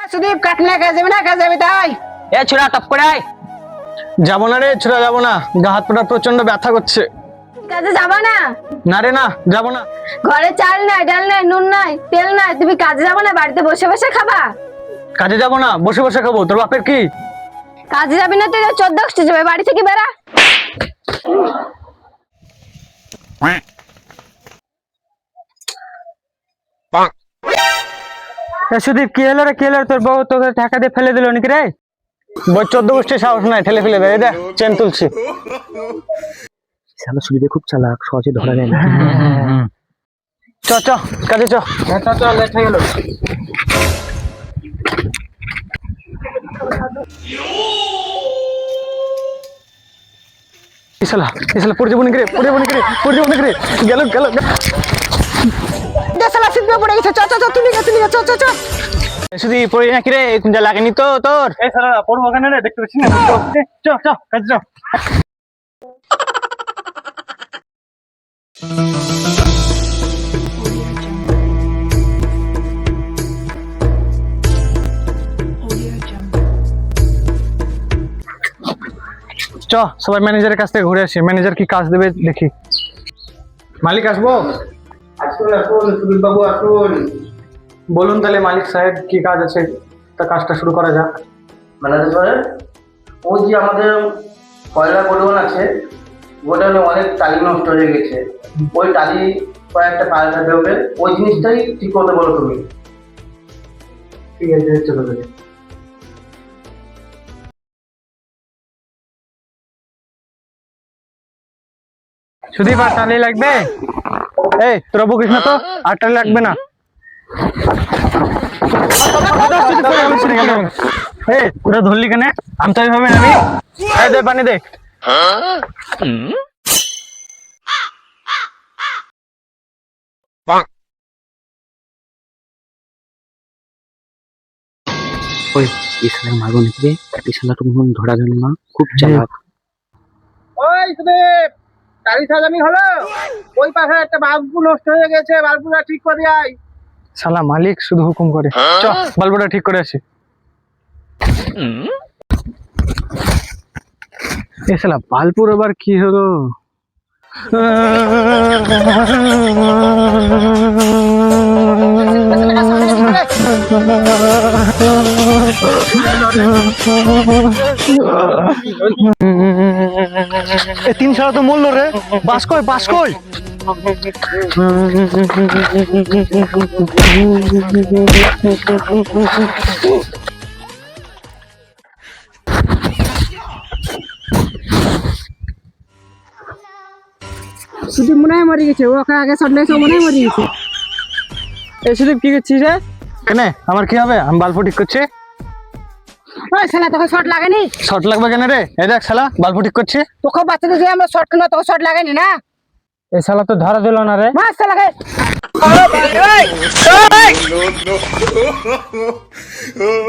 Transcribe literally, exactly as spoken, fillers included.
সুদীপ কাটনা কাজ যাবে না কাজ যাবে তাই এ ছোড়া টপ করে আয়। যাবো না রে ছোড়া, যাবো না, গা হাত পাটা প্রচন্ড ব্যথা করছে। কাজে যাবা না? না রে না, যাবো না। ঘরে চাল নাই, ডাল নাই, নুন নাই, তেল নাই, তুমি কাজে যাবো না? বাড়িতে বসে বসে খাবা? কাজে যাবো না, বসে বসে খাবো। তোর বাপের কি? কাজে যাবি না তুই? চোদ্দ আসতে যাবে, বাড়ি থেকে বেড়া। সুদীপ কি হলো রে, কি হলো? তোর বউ তোকে টাকা দিয়ে ফেলে দিল নাকি রে? বই চোদ্দ গোষ্ঠীর সাহস নাই, ঠেলে ফেলে দেয়। দেখ চেন তুলছি। শালা সুদীপে খুব চালাক, সহজে ধরা যায় না। চ চ কাজে চ। চ লেট হয়ে গেল। ইসালা ইসালা পড়ে যাবো নাকি রে, পড়ে যাবো নাকি রে, পড়ে যাবো নাকি রে। গেল গেল দেশালা সিদ্ধ পড়ে গেছে। চ চ চ তুমি গেছে নিয়ে চ চ চ। শুধু পড়ে নাকি রে, কুঞ্জা লাগেনি তো তোর? এই সালা পড়বো ওখানে রে, দেখতে পাচ্ছিস না? চ চ কাজে চ। চ সবাই ম্যানেজারের কাছ থেকে ঘুরে আসি, ম্যানেজার কি কাজ দেবে দেখি। মালিক আসবো? আসুন আসুন সুদীপ বাবু আসুন। বলুন তাহলে মালিক সাহেব কি কাজ আছে, তা কাজটা শুরু করা যাক। ম্যানেজার সাহেব, ওই যে আমাদের কয়লা গোডাউন আছে, গোডাউনে অনেক টালি নষ্ট হয়ে গেছে। ওই টালি কয়েকটা পাল্টাতে হবে, ওই জিনিসটাই ঠিক করতে বলো তুমি। ঠিক আছে চলো তাহলে। সুদীপ আর টালি লাগবে? এই তোরা বকিস না তো, আর টালি লাগবে না। এই ওরা ধরলি কেন? আমি তো এইভাবে নামি। এই দে পানি দে। ওই এই শালার মারবো নাকি রে? এই শালা তো মনে হয় ধরা গেল না, খুব চালাক। ওই সুদীপ, টালি সাজানি হলো? ওই পাশে একটা বাল্বু নষ্ট হয়ে গেছে, বাল্বুটা ঠিক করে আয়। শালা মালিক শুধু হুকুম করে। চ বাল্বটা ঠিক করে আসি। এ শালা বাল্বুর আবার কি হলো? এ তিন শালা তো মরলো রে। বাস কই, বাস কই? সুদীপ মনে হয় মরে গেছে, ওকে আগে শট লেগেছে, মনে হয় মরে গেছে। এই সুদীপ কি করছিস রে? কেন আমার কি হবে? আমি বাল্ব ঠিক করছি। ওই শালা তোকে শট লাগেনি? শর্ট লাগবে কেন রে? এই দেখ শালা বাল্ব ঠিক করছি। তোকে বাচ্চাদের যে আমরা শট কেন, তোকে শট লাগেনি না? এই শালা তো ধরা দিল না রে। মাস শালাকে। no, no.